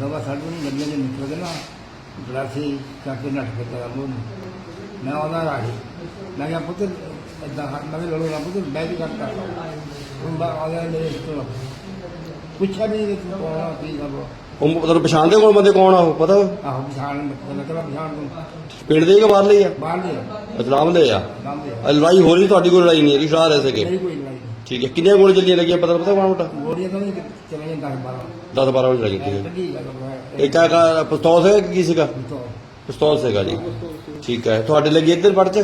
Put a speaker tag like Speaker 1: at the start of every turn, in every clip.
Speaker 1: दवा साढ़े नहीं गड्डियां जो निकल गए ना गलासी करके नट के चला लो मैं आना राही मैं क्या पुत्र इदा मैं भी लड़ो ना पुत्र मैं भी करता तुम आ गया मेरे तो पूछा भी नहीं तू कौन की कर
Speaker 2: ਉਹ ਤੁਹਾਨੂੰ ਪਛਾਣਦੇ ਕੋਲ ਬੰਦੇ ਕੌਣ ਆ ਉਹ ਪਤਾ
Speaker 1: आहो बिछाण मतलब बिछाण तुम
Speaker 2: ਪਿੰਡ ਦੇ ਹੀ ਕਿ ਬਾਹਰਲੇ ਹੀ ਆ
Speaker 1: बाहर ले
Speaker 2: ਇਸਲਾਮ ਦੇ ਆ
Speaker 1: नाम दे
Speaker 2: ਲੜਾਈ ਹੋ ਰਹੀ ਤੁਹਾਡੀ ਕੋਈ ਲੜਾਈ ਨਹੀਂ ਹੈਗੀ ਸ਼ਾਹ ਰਹੇ ਸੀਗੇ
Speaker 1: मेरी कोई लड़ाई नहीं
Speaker 2: ਠੀਕ ਹੈ ਕਿੰਨੀਆਂ ਗੋਲੀ ਚੱਲੀਆਂ ਲੱਗੀਆਂ ਪਤਾ ਮਾੜਾ ਮੋਟਾ
Speaker 1: गोलियां तो नहीं चले 10 12
Speaker 2: 10 12 ਵਜੇ ਲੱਗੀ ਠੀਕ ਹੈ
Speaker 1: लगी लगा
Speaker 2: ਇਹ ਕਿਆ ਪਿਸਤੌਲ ਸੀਗਾ ਕਿ ਕੀ ਸੀਗਾ
Speaker 1: तो
Speaker 2: ਪਿਸਤੌਲ ਸੀਗਾ ਜੀ ਠੀਕ ਹੈ ਤੁਹਾਡੇ ਲੱਗੀ ਇੱਧਰ ਪੜ ਚ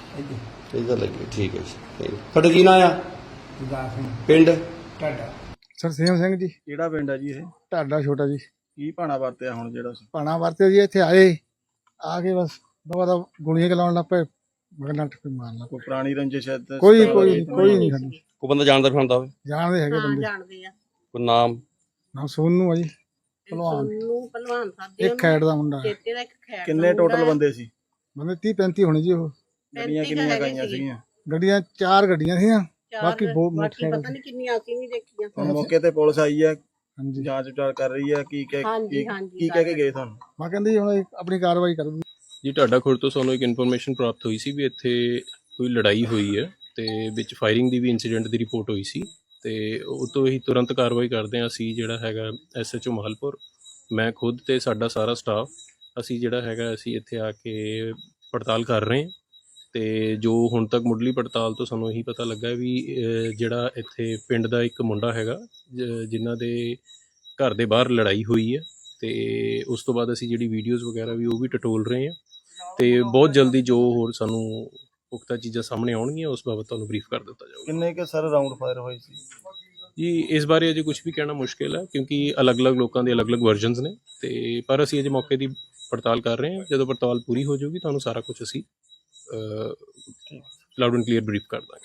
Speaker 1: इधर
Speaker 2: ਇੱਧਰ ਲੱਗੀ ਠੀਕ ਹੈ ਜੀ ਤੁਹਾਡਾ ਕੀ ਨਾਂ ਆ
Speaker 1: दास
Speaker 2: ਪਿੰਡ
Speaker 1: टाटा
Speaker 3: ਸਰਸੇਮ ਸਿੰਘ ਜੀ।
Speaker 4: ਕਿਹੜਾ ਪਿੰਡ ਹੈ ਜੀ ਇਹ?
Speaker 3: ਢਾਡਾ ਛੋਟਾ ਜੀ।
Speaker 4: ਕੀ ਭਾਣਾ ਵਰਤਿਆ ਹੁਣ ਜਿਹੜਾ
Speaker 3: ਭਾਣਾ ਵਰਤੇ ਜੀ ਇੱਥੇ ਆਏ ਆ ਕੇ ਬਸ ਦਵਾ ਦਾ ਗੋਲੀਆਂ ਚਲਾਉਣ ਲੱਗ ਪਏ ਮਗਰ ਨੱਠ ਕੇ ਮਾਰਨਾ
Speaker 4: ਕੋਈ ਪੁਰਾਣੀ ਰੰਜਿਸ਼ ਹੈ ਤੇ
Speaker 3: ਕੋਈ ਨਹੀਂ ਸਾਡੀ
Speaker 2: ਕੋਈ ਬੰਦਾ ਜਾਣਦਾ ਪਛਾਣਦਾ ਹੋਵੇ
Speaker 3: ਜਾਣਦੇ ਹੈਗੇ ਬੰਦੇ
Speaker 5: ਜਾਣਦੇ ਆ
Speaker 2: ਕੋਈ ਨਾਮ
Speaker 3: ਨਾਮ ਸੋਨੂ ਆ ਜੀ ਭਲਵਾਨ
Speaker 5: ਨੂੰ ਪਹਿਲਵਾਨ ਸਾਹਿਬ
Speaker 3: ਇੱਕ ਖੈੜ ਦਾ ਮੁੰਡਾ
Speaker 5: ਚੇਤੇ ਦਾ ਇੱਕ ਖੈੜ
Speaker 4: ਕਿੰਨੇ ਟੋਟਲ ਬੰਦੇ ਸੀ?
Speaker 3: ਬੰਦੇ 30 35 ਹੋਣੇ ਜੀ ਉਹ
Speaker 4: ਗੱਡੀਆਂ ਕਿੰਨੀਆਂ ਗਈਆਂ ਸੀਗੀਆਂ?
Speaker 3: ਗੱਡੀਆਂ 4 ਗੱਡੀਆਂ ਸੀਆਂ ਬਾਕੀ ਬਹੁਤ
Speaker 5: ਬਾਕੀ
Speaker 3: ਮੋਟਰਸਾਈਕਲ
Speaker 5: ਪਤਾ ਨਹੀਂ ਕਿੰਨੀਆਂ ਅਸੀਂ ਨਹੀਂ ਦੇਖੀਆਂ
Speaker 4: ਹੁਣ ਮੌਕੇ ਤੇ ਪੁਲਿਸ ਆਈ ਹੈ,
Speaker 3: ਹਾਂਜੀ
Speaker 4: ਜਾਂਚ ਵਿਚਾਰ ਕਰ ਰਹੀ ਹੈ, ਕੀ ਕਹਿ
Speaker 5: ਹਾਂਜੀ,
Speaker 4: ਕੀ ਕਹਿ ਕੇ ਗਏ ਤੁਹਾਨੂੰ?
Speaker 3: ਮੈਂ ਕਹਿੰਦੀ ਜੀ ਹੁਣ ਇਹ ਆਪਣੀ ਕਾਰਵਾਈ ਕਰੂਗੀ।
Speaker 6: ਜੀ ਢਾਡਾ ਖੁਰਦ ਤੋਂ ਸਾਨੂੰ ਇੱਕ ਇਨਫੋਰਮੇਸ਼ਨ ਪ੍ਰਾਪਤ ਹੋਈ ਸੀ ਵੀ ਇੱਥੇ ਕੋਈ ਲੜਾਈ ਹੋਈ ਹੈ ਤੇ ਵਿੱਚ ਫਾਇਰਿੰਗ ਦੀ ਵੀ ਇਨਸੀਡੈਂਟ ਦੀ ਰਿਪੋਰਟ ਹੋਈ ਸੀ ਤੇ ਉਹ ਤੋਂ ਹੀ ਤੁਰੰਤ ਕਾਰਵਾਈ ਕਰਦੇ ਹਾਂ ਅਸੀਂ ਜਿਹੜਾ ਹੈਗਾ ਐਸਐਚਓ ਮਾਹਲਪੁਰ ਮੈਂ ਖੁਦ ਤੇ ਸਾਡਾ ਸਾਰਾ ਸਟਾਫ ਅਸੀਂ ਜਿਹੜਾ ਹੈਗਾ ਅਸੀਂ ਇੱਥੇ ਆ ਕੇ ਪੜਤਾਲ ਕਰ ਰਹੇ ਹਾਂ ਤੇ ਜੋ ਹੁਣ ਤੱਕ ਮੁੱਢਲੀ ਪੜਤਾਲ ਤੋਂ ਸਾਨੂੰ ਇਹੀ ਪਤਾ ਲੱਗਾ ਵੀ ਜਿਹੜਾ ਇੱਥੇ ਪਿੰਡ ਦਾ ਇੱਕ ਮੁੰਡਾ ਹੈਗਾ ਜਿਨ੍ਹਾਂ ਦੇ ਘਰ ਦੇ ਬਾਹਰ ਲੜਾਈ ਹੋਈ ਹੈ ਤੇ ਉਸ ਤੋਂ ਬਾਅਦ ਅਸੀਂ ਜਿਹੜੀ ਵੀਡੀਓਜ਼ ਵਗੈਰਾ ਵੀ ਉਹ ਵੀ ਟਟੋਲ ਰਹੇ ਹਾਂ ਤੇ ਬਹੁਤ ਜਲਦੀ ਜੋ ਹੋਰ ਸਾਨੂੰ ਪੁਖਤਾ ਚੀਜ਼ਾਂ ਸਾਹਮਣੇ ਆਉਣਗੀਆਂ ਉਸ ਬਾਬਤ ਤੁਹਾਨੂੰ ਬਰੀਫ ਕਰ ਦਿੱਤਾ ਜਾਊਗਾ।
Speaker 4: ਕਿੰਨੇ ਕੇ ਸਰ ਰਾਉਂਡ ਫਾਇਰ ਹੋਏ ਸੀ
Speaker 6: ਜੀ ਇਸ ਬਾਰੇ ਅਜੇ ਕੁਝ ਵੀ ਕਹਿਣਾ ਮੁਸ਼ਕਿਲ ਹੈ ਕਿਉਂਕਿ ਅਲੱਗ-ਅਲੱਗ ਲੋਕਾਂ ਦੇ ਅਲੱਗ-ਅਲੱਗ ਵਰਜ਼ਨਸ ਨੇ ਤੇ ਪਰ ਅਸੀਂ ਅਜੇ ਮੌਕੇ ਦੀ ਪੜਤਾਲ ਕਰ ਰਹੇ ਹਾਂ ਜਦੋਂ ਪੜਤਾਲ ਪੂਰੀ ਹੋ ਜਾਊਗੀ ਤੁਹਾਨੂੰ ਸਾਰਾ ਕੁਝ ਅਸੀਂ ਲਾਊਡ ਐਂਡ ਕਲੀਅਰ ਬਰੀਫ ਕਰ ਦਾਂਗੇ।